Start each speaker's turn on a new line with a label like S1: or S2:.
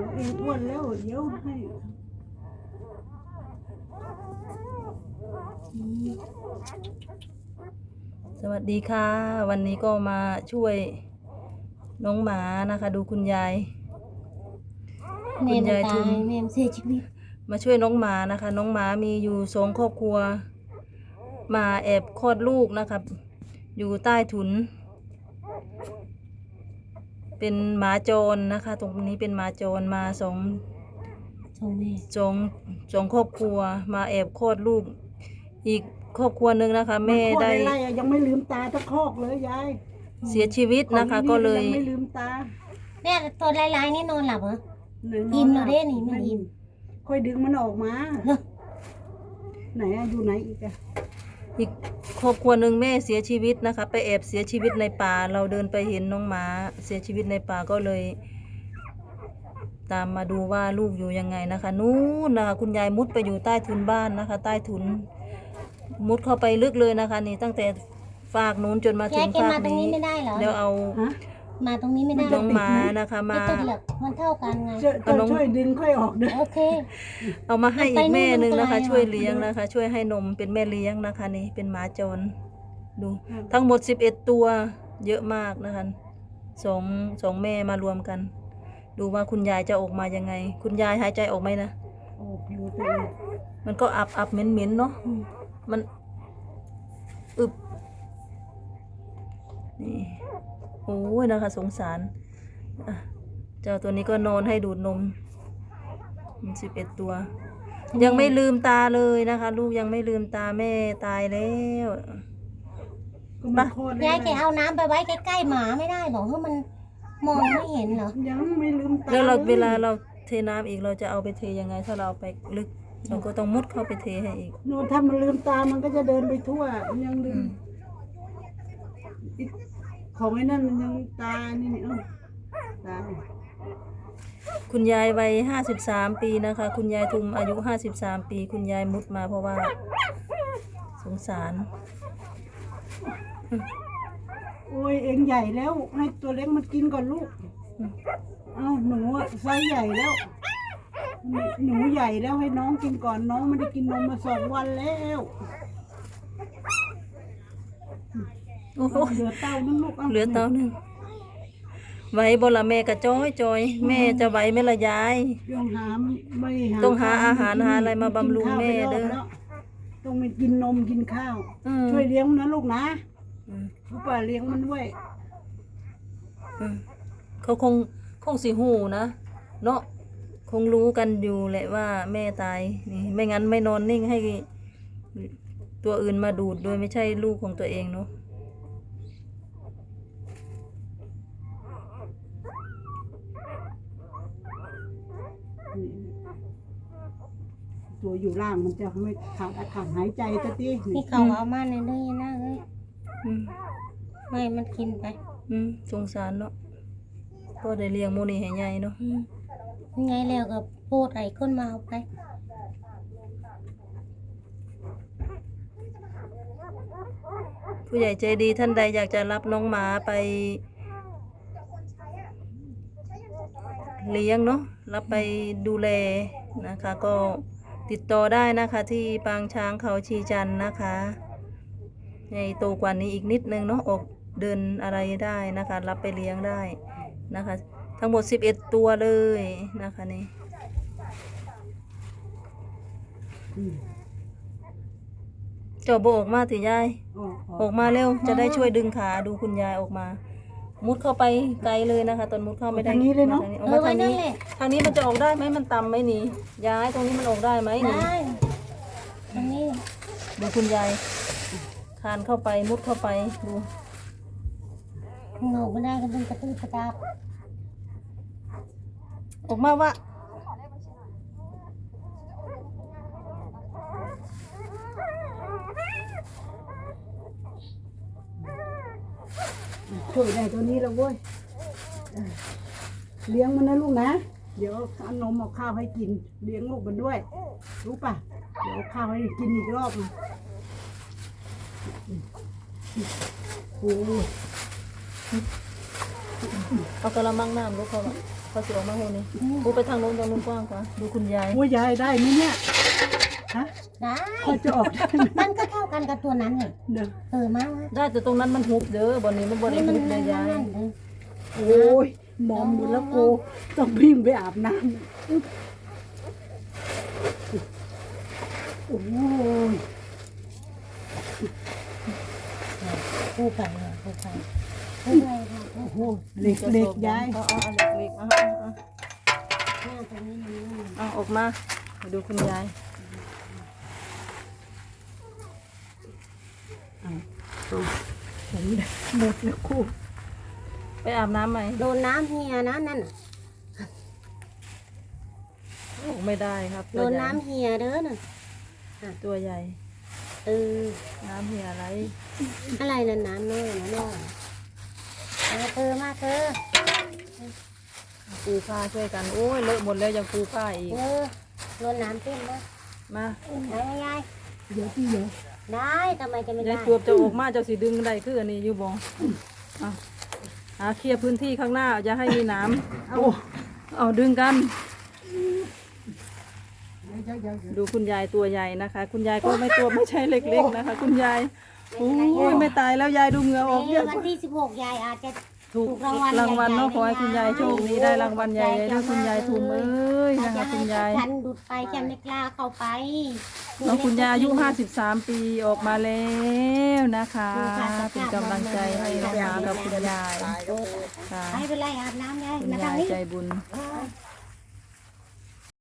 S1: เองอ้วนแล้วเดี๋ยวให้
S2: สวัสดีค่ะวันนี้ก็มาช่วยน้องหมานะคะ ดูคุณยายทุม
S3: แม่เสียชีวิต
S2: มาช่วยน้องหมานะคะ น้องหมามีอยู่2 ครอบครัวมาแอบคลอดลูกนะครับอยู่ใต้ถุนเป็นหมาจรนะคะ ตรงนี้เป็นหมาจรมาสองครอบครัวมาแอบคลอดลูกอีกครอบครัวหนึ่งนะคะแม่ได้
S1: ยังไม่ลืมตาตะคอกเลยยาย
S2: เสียชีวิตนะคะก็เลย
S1: ยังไม่ลืมตา
S3: เนี่ยตัวลายๆนี่นอนหลับเหรออิ่มแล้วเด้นี่มันอิ่ม
S1: ค่อยดึงมันออกมาไหนอยู่ไหนอีก
S2: ครอบครัวหนึ่งแม่เสียชีวิตนะคะไปแอบเสียชีวิตในป่าเราเดินไปเห็นน้องหมาเสียชีวิตในป่าก็เลยตามมาดูว่าลูกอยู่ยังไงนะคะนู้นนะคะคุณยายมุดไปอยู่ใต้ถุนบ้านนะคะใต้ถุนมุดเข้าไปลึกเลยนะคะนี่ตั้งแต่ฝากนู้นจนมาถึงฝากนี้เดี๋ยวเอา
S3: มาตรงนี้ไม่ได้
S2: น้องหมานะคะมา
S3: มันเท่ากันไง
S1: ช่วยดึงค่อยออกด้วย
S3: โอเค
S2: เอามาให้อีกแม่หนึ่งนะคะช่วยเลี้ยงนะคะช่วยให้นมเป็นแม่เลี้ยงนะคะนี่เป็นหมาจรดูทั้งหมด11 ตัวเยอะมากนะคะสองแม่มารวมกันดูว่าคุณยายจะออกมายังไงคุณยายหายใจออกไหมนะ
S1: ออกอยู่ตัว
S2: มันก็อับเหม็นเนาะมันอึบนี่โอ้ยนะคะสงสารเจ้าตัวนี้ก็นอนให้ดูดนม11 ตัวยังไม่ลืมตาเลยนะคะลูกยังไม่ลืมตาแม่ตายแล้ว
S3: ยายแกเอาน้ำไปไว้ใกล้ๆหมาไม่ได้บอกว่ามันมองไม่เห็นเหรอ
S1: ยังไม่ลืมตา
S2: แล้วเวลาเราเทน้ำอีกเราจะเอาไปเทยังไงถ้าเราไปลึกเราก็ต้องมุดเข้าไปเทให้อีก
S1: โน่ถ้ามันลืมตามันก็จะเดินไปทั่วยังลืมของไอ้นั่นมันยังตานี่ตาย
S2: คุณยายวัย53 ปีนะคะคุณยายทุมอายุ53 ปีคุณยายมุดมาเพราะว่าสงสาร
S1: โอ้ยเองใหญ่แล้วให้ตัวเล็กมันกินก่อนลูกหนูไซส์ใหญ่แล้วหนูใหญ่แล้วให้น้องกินก่อนน้องไม่ได้กินนมมา2 วันแล้วเหลือเต้านึงลูก
S2: เหลือเต้านึงไหวบ่ละแม่กะจอยแม่จะไหวไหมละยายต้องหาอาหารหาอะไรมาบำรุงแม่เด้อ
S1: ต้องไปกินนมกินข้าวช่วยเลี้ยงนะลูกนะผู้ป่าเลี้ยงมันด้วย
S2: เขาคงสิหูนะเนาะคงรู้กันอยู่แหละว่าแม่ตายนี่ไม่งั้นไม่นอนนิ่งให้ตัวอื่นมาดูดโดยไม่ใช่ลูกของตัวเองเนาะ
S1: ตัวอยู่ล่างมันจะไม่ขาดอากาศหายใจจะตี
S3: นี่เขาเอามาในเด้ยนะเลยไม่มันกินไป
S2: สงสารเนาะก็ได้เลี้ยงโมนี่ให้ใหญ่เนาะ
S3: ไงแล้วกับโพดไอ้ก้นมาเอาไป
S2: ผู้ใหญ่ใจดีท่านใดอยากจะรับน้องหมาไปเลี้ยงเนาะรับไปดูแลนะคะก็ติดต่อได้นะคะที่ปางช้างเขาชีจันนะคะในโตกว่านี้อีกนิดนึงเนาะออกเดินอะไรได้นะคะรับไปเลี้ยงได้นะคะทั้งหมด11 ตัวเลยนะคะนี่จอบออกมาถือยายออกมาเร็วจะได้ช่วยดึงขาดูคุณยายออกมามุดเข้าไปไกลเลยนะคะตอนมุดเข้าไม่ได้
S1: ทางนี้เลยเนาะ
S2: ออกมาทางนี้มันจะออกได้ไหมมันต่ำไหมนี่ยายตรงนี้มันออกได้ไหมนี่
S3: ทางนี้
S2: ดูคุณยายคานเข้าไปมุดเข้าไปดู
S3: หนูไม่ได้ก็เป็นกระตุ้นกระดับ
S2: ออกมาว่า
S1: ช่วยได้ตัวนี้แล้วเว้ยเลี้ยงมันนะลูกนะเดี๋ยวเอานมเอาข้าวให้กินเลี้ยงลูกมันด้วยรู้ป่ะเดี๋ยวข้าวให้กินอีกรอบโอ้
S2: เอากระมังน้ำลูกเขาเขาสิออกมาโหนี่ปูไปทางโน้นกว้างกว่าดูคุณยาย
S1: โอ้ยยายได้ไหมเนี่ยฮะ
S3: ได้
S1: พอจะออกได้ไหม
S3: มันก็เท่ากันกับตัวนั้นนี่
S1: เดี๋ยว
S3: มา
S2: ได้แต่ตรงนั้นมันหุบเด้อบ่นี้มันบ่ได้
S3: นี่มัน
S2: หุบเลยยาย
S3: นั่น
S1: โอ้ยมองดูแล้วกูต้องวิ่งไปอาบน้ำโอ้ย
S3: ผู้ไปค่ะผู้ไปผู้ไปค่ะ
S1: โอ้โหเหล็กเหล็กยาย
S2: เอาเหล็กๆเอา
S3: หน้าตรงนี้มันนั่น
S2: เอาออกมาดูคุณยาย
S1: ผมหมดแล้วกู
S2: ไปอาบน้ำไหม
S3: โดนน้ำเฮียนะนั่นน่ะ
S2: ออกไม่ได้ครับ
S3: โดนน้ำเฮียเด้อน่ะ
S2: ตัวใหญ่
S3: เออ
S2: น้ำเหี่ยอะไร
S3: อะไรนั่นน้ำน้อยนะน้อยมาเธอมาเธอ
S2: ปูผ้าช่วยกันโอ้ยเลอะหมดแล้วยังปูผ้าอีก
S3: โดนน้ำเต็มนะ
S2: มา
S3: ได้ยาย
S1: เดี๋ยวพี่เดี๋ยว
S3: ได้ทำไมจะไม่
S2: ยา
S3: ได้
S2: ยจวบจะออกมาเจ้าสีดึงได้คืออันนี้อยู่บ่เคลียร์พื้นที่ข้างหน้าอย่าให้มีน้ำเอาดึงกัน ดูคุณยายตัวใหญ่นะคะ คุณยายก็ไม่ตัวไม่ใช่เล็กๆนะคะ คุณยายโอ้ยไม่ตายแล้วยายดูเหงื่อออกเยอะ
S3: วันที่16ยายอาจจะ
S2: ถูกรางวัลเนาะขอให้คุณยายโชคดีได้รางวัลใหญ่ๆด้วยคุณยายทุมเอ้ยนะคะคุณยาย
S3: ฉันดุดไปฉันไม่กล้าเข้าไป
S2: น้องคุณยายอายุ53 ปีออกมาแล้วนะคะเป็นกำลังใจให้น้องหมากับคุณยายค่ะ
S3: ไม่เป็นไรอาบน้ำยาย
S2: คุณ
S3: มาทาย
S2: าง ย
S3: นี้
S2: ใจบุญ
S3: เ